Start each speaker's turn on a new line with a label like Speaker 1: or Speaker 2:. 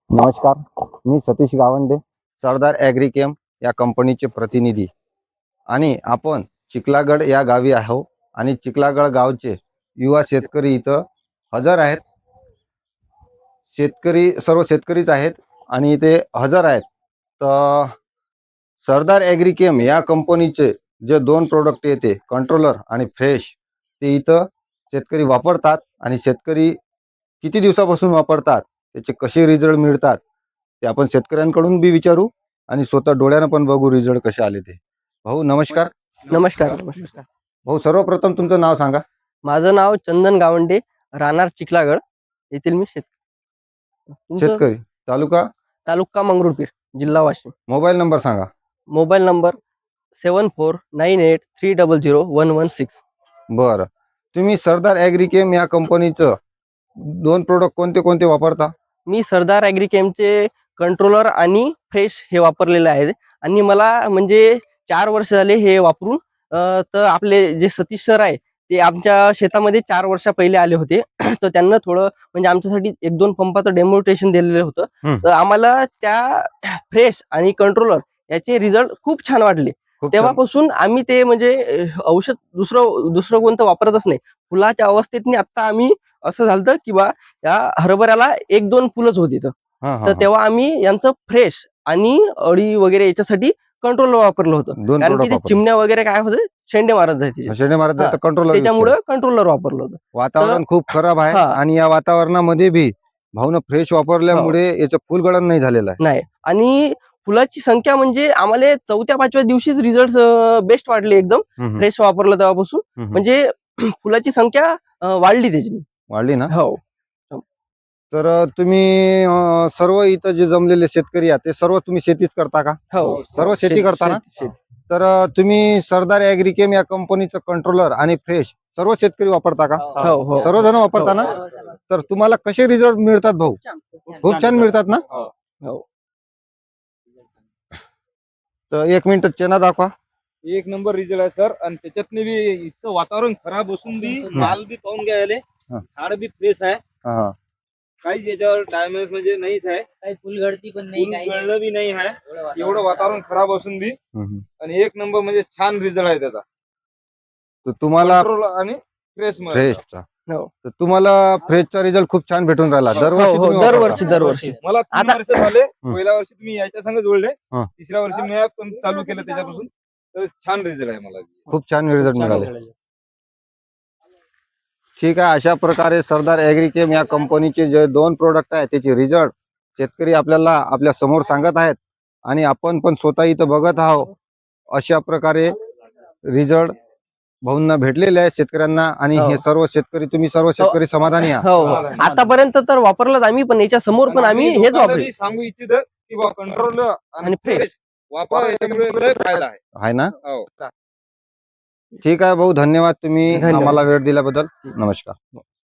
Speaker 1: नमस्कार, मी सतीश गावंडे, सरदार ॲग्रिकेम या कंपनीचे प्रतिनिधी आणि आपण चिखलागड या गावी आहो आणि चिखलागड गावचे युवा शेतकरी इथं हजर आहेत. शेतकरी सर्व शेतकरीच आहेत आणि इथे हजर आहेत. तर सरदार ॲग्रिकेम या कंपनीचे जे दोन प्रोडक्ट येते कंट्रोलर आणि फ्रेश, ते इथं शेतकरी वापरतात आणि शेतकरी किती दिवसापासून वापरतात, त्याचे कसे रिझल्ट मिळतात ते आपण शेतकऱ्यांकडून बी विचारू आणि स्वतः डोळ्यानं पण बघू रिझल्ट कसे आले ते. भाऊ नमस्कार.
Speaker 2: नमस्कार. नमस्कार.
Speaker 1: भाऊ सर्वप्रथम तुमचं नाव सांगा.
Speaker 2: माझं नाव चंदन गावंडे, राहणार चिखलागड. येथील मी
Speaker 1: शेतकरी, तालुका
Speaker 2: तालुका मंगरुळपीर, जिल्हा वाशिम.
Speaker 1: मोबाईल नंबर सांगा.
Speaker 2: Mobile number 7498300116.
Speaker 1: बरं, तुम्ही सरदार ॲग्रिकेम या कंपनीचं दोन प्रोडक्ट कोणते कोणते वापरता?
Speaker 2: मी सरदार ॲग्रिकेमचे कंट्रोलर आणि फ्रेश हे वापरलेले आहेत आणि मला म्हणजे 4 वर्ष झाले हे वापरून. तर आपले जे सतीश सर आहे ते आमच्या शेतामध्ये 4 वर्षा पहिले आले होते. तर त्यांना थोडं म्हणजे आमच्यासाठी 1-2 पंपाचं डेमोन्स्ट्रेशन दिलेलं होतं. तर आम्हाला त्या फ्रेश आणि कंट्रोलर याचे रिझल्ट खूप छान वाटले.
Speaker 1: खूप छान.
Speaker 2: तेव्हापासून आम्ही ते म्हणजे औषध दुसरं कोणतं वापरतच नाही. फुलाच्या अवस्थेतनी आता आम्ही असं झालं की बा या हरभऱ्याला 1-2 फुलंच होती. तर तेव्हा आम्ही यांचं फ्रेश आणि अळी वगैरे याच्यासाठी कंट्रोलर वापरलं होतं.
Speaker 1: दोन
Speaker 2: कारण की
Speaker 1: प्रोडक्ट
Speaker 2: ते
Speaker 1: वापरले.
Speaker 2: चिमण्या वगैरे काय होते, शेंडे मारत जायचे.
Speaker 1: शेणे मारत
Speaker 2: हा,
Speaker 1: कंट्रोलर
Speaker 2: त्याच्यामुळे कंट्रोलर वापरलं होतं.
Speaker 1: वातावरण खूप खराब आहे
Speaker 2: हा.
Speaker 1: आणि या वातावरणामध्ये बी भाऊनं फ्रेश वापरल्यामुळे याचं फुलगळण नाही झालेलं आहे.
Speaker 2: नाही, आणि फुलाची संख्या म्हणजे आम्हाला 4थ्या-5व्या दिवशीच रिझल्ट बेस्ट वाटले एकदम. फ्रेश वापरलं तेव्हापासून म्हणजे फुलाची संख्या वाढली त्याची.
Speaker 1: वाढली ना?
Speaker 2: हो.
Speaker 1: तर तुम्ही सर्व इथं जे जमलेले शेतकरी आहेत ते सर्व तुम्ही शेतीच करता का?
Speaker 2: हो,
Speaker 1: सर्व शेती करता ना? तर तुम्ही सरदार ॲग्रिकेम या कंपनीचं कंट्रोलर आणि फ्रेश सर्व शेतकरी वापरता का?
Speaker 2: हो, हो.
Speaker 1: सर्वजण वापरता ना? तर तुम्हाला कसे रिझल्ट मिळतात भाऊ? खूप छान मिळतात ना?
Speaker 2: हो.
Speaker 1: तर 1 मिनिट चेना दाखवा.
Speaker 3: एक नंबर रिझल्ट आहे सर. आणि त्याच्यातनी बी इतकं वातावरण खराब असून बी माल बी पाहून घ्यायले, झाड बी फ्रेश आहे.
Speaker 1: हा,
Speaker 3: काहीच याच्यावर डॅमेज म्हणजे नाहीच आहे,
Speaker 4: काही फुलगळती पण नाही, काही
Speaker 3: गळणं बी नाही आहे. एवढं वातावरण खराब असून बी आणि एक नंबर म्हणजे छान रिझल्ट आहे त्याचा.
Speaker 1: तर तुम्हाला
Speaker 3: कंट्रोल आणि फ्रेश
Speaker 1: फ्रेशचा,
Speaker 2: हो.
Speaker 1: तर तुम्हाला फ्रेशचा रिझल्ट खूप छान भेटून राहिला. दरवर्षी
Speaker 2: हो,
Speaker 1: तुम्ही वापरता?
Speaker 2: दरवर्षी.
Speaker 3: मला 3
Speaker 2: आता-
Speaker 3: वर्ष झाले. पहिल्या वर्षी तुम्ही याच्या संग जोडले,
Speaker 1: हा.
Speaker 3: तिसऱ्या वर्षी मी पण चालू केलं त्याच्यापासून. तर छान रिझल्ट आहे मला.
Speaker 1: खूप छान रिझल्ट मिळाले. ठीक आहे, अशा प्रकारे सरदार ॲग्रिकेम या कंपनीचे जे दोन प्रोडक्ट आहेत त्याचे रिझल्ट शेतकरी आपल्याला आपल्या समोर सांगत आहेत आणि आपण पण स्वतः इथं बघत आहोत. अशा प्रकारे रिझल्ट भाऊंना भेटलेले आहेत शेतकऱ्यांना आणि हे सर्व शेतकरी, तुम्ही सर्व शेतकरी समाधानी आहात.
Speaker 2: हो, आतापर्यंत तर वापरलंच आम्ही, पण याच्या समोर पण आम्ही हेच
Speaker 3: लोकांना
Speaker 2: वापरले.
Speaker 3: बी सांगू इच्छित की बा कंट्रोल आणि
Speaker 2: आणि fresh.
Speaker 3: फ्रेश वापरा, याच्यामुळे लय फायदा आहे.
Speaker 1: आहे ना?
Speaker 3: हो.
Speaker 1: ठीक आहे भाऊ, धन्यवाद तुम्ही
Speaker 2: धन्यवाद.
Speaker 1: आम्हाला वेळ दिल्याबद्दल. नमस्कार.